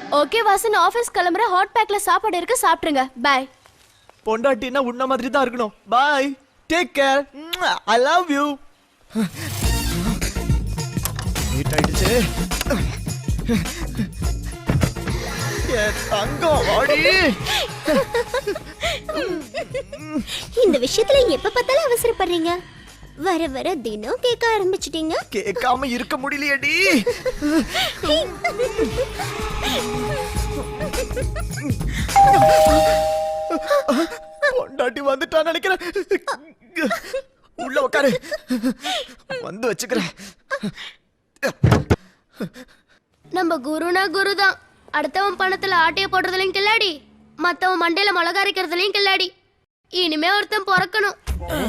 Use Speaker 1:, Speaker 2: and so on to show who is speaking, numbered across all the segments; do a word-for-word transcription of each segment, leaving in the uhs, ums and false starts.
Speaker 1: Okay Vasan, office கிளம்புற. Hot பேக்ல சாப்பாடு இருக்கு, சாப்பிடுங்க. பை.
Speaker 2: பொண்டாட்டினா உன்ன மாதிரி தான் இருக்கணும். Bye, take care, I love you. Late ஆயிடுச்சு. ஏ தங்கம் வாடி.
Speaker 3: இந்த விஷயத்துல எப்ப பார்த்தாலும் அவசரப்படுறீங்க. வர வர தினம் கேட்க ஆரம்பிச்சிட்டீங்க.
Speaker 2: கேட்காம இருக்க முடியலையேடி. பொண்டாட்டி வந்துட்டான்னு நினைக்கிறேன். உள்ள உட்காரு, வந்து வச்சுக்கிறேன்.
Speaker 1: நம்ம குருனா குருதான். அடுத்தவன் பணத்துல ஆட்டைய போடுறதுலயும் கில்லாடி, மத்தவன் மண்டையில மிளகா அரைக்கிறதுலயும் கில்லாடி. இனிமே ஒருத்தன் பிறக்கணும்.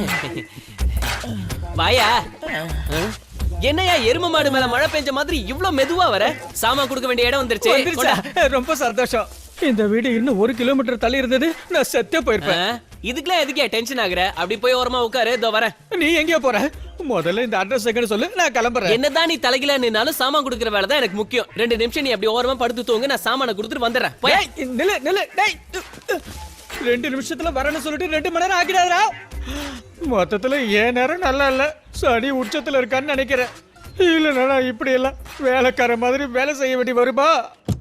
Speaker 4: வாயா. என்னையா எரும மாடு மேல மழை பெஞ்ச மாதிரி இவ்ளோ மெதுவா வர? சாமான் கொடுக்க வேண்டிய இடம் வந்துருச்சு.
Speaker 5: ரொம்ப சந்தோஷம். இந்த வீடு இன்னும் ஒரு கிலோமீட்டர் தள்ளி இருந்தது, நான் செத்தே போயிருப்பேன்.
Speaker 4: இதுக்கெல்லாம் எதுக்கே டென்ஷன் ஆகுற? அப்படி போய் ஓரமா உட்காரு, இதோ வரேன்.
Speaker 5: நீ எங்கேயோ போற? முதல்ல இந்த அட்ரஸ் எங்கன்னு சொல்லு, நான் கிளம்புறேன்.
Speaker 4: என்னதான் நீ தலைகில நின்னாலும் சாமான் கொடுக்கற வேலை தான் எனக்கு முக்கியம். ரெண்டு நிமிஷம் நீ அப்படி ஓரமா படுத்து தூங்க, நான் சாமான கொடுத்துட்டு வந்துடுறேன்.
Speaker 5: நில்லு நில்லு டேய். ரெண்டு நிமிஷத்துல வரேன்னு சொல்லிட்டு ரெண்டு மணி நேரம் ஆகிடாதா? மொத்தத்துல ஏன் நேரம் நல்லா இல்ல, சனி உச்சத்துல இருக்கான்னு நினைக்கிறேன். இல்லைன்னா இப்படி எல்லாம் வேலைக்கார மாதிரி வேலை செய்ய வேண்டி வருமா?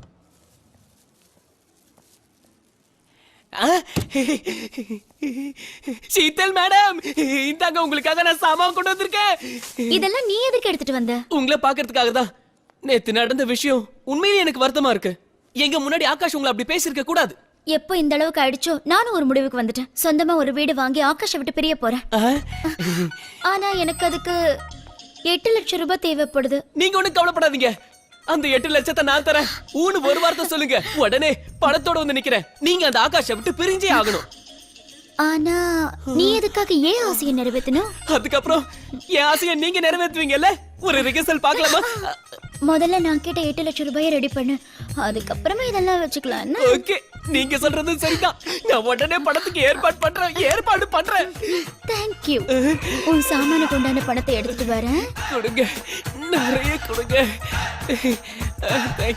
Speaker 4: சீத்தல் மேடம், இந்தாங்க உங்களுக்காக நான் சாமான் கொண்டு வந்திருக்கேன்.
Speaker 3: இதெல்லாம் நீ எதுக்கு எடுத்துட்டு வந்த?
Speaker 4: உங்களை பாக்குறதுக்காக தான். நேத்து நடந்த விஷயம் உண்மையிலேயே எனக்கு வருத்தமா இருக்கு. எங்க முன்னாடி ஆகாஷ் உங்களை அப்படி பேசிருக்க கூடாது.
Speaker 3: எப்போ இந்த அளவுக்கு ஆயிடுச்சோ நானும் ஒரு முடிவுக்கு வந்துட்டேன். சொந்தமா ஒரு வீடு வாங்கி ஆகாஷ விட்டு பிரிய போறேன். ஆனா எனக்கு அதுக்கு எட்டு லட்சம் ரூபாய் தேவைப்படுது.
Speaker 4: நீங்க ஒண்ணு கவலைப்படாதீங்க, அந்த எட்டு லட்சத்தை நான் தரேன். ஊனு ஒரு வார்த்தை சொல்லுங்க, உடனே பணத்தோட வந்து நிக்கிறேன். நீங்க அந்த ஆகாஷை விட்டு பிரிஞ்சே ஆகணும்.
Speaker 3: ஆனா நீ எதுக்காக ஏன் ஆசையை நிறைவேற்றணும்?
Speaker 4: அதுக்கப்புறம் என் ஆசையை நீங்க நிறைவேற்றுவீங்கல்ல? ஒரு ரிகர்சல் பார்க்கலாமா?
Speaker 3: முதல்ல நான் கேட்ட எட்டு லட்சம் ரூபாயை ரெடி பண்ணு, அதுக்கப்புறமா இதெல்லாம் வச்சுக்கலாம்.
Speaker 4: ஓகே, நீங்க சொல்றது சரிதான். நான் உடனே பணத்துக்கு ஏற்பாடு பண்றேன். ஏற்பாடு பண்றேன்.
Speaker 3: தேங்க்யூ. உன் சாமானுக்கு உண்டான பணத்தை எடுத்துட்டு வரேன்.
Speaker 4: கொடுங்க, நிறைய கொடுங்க.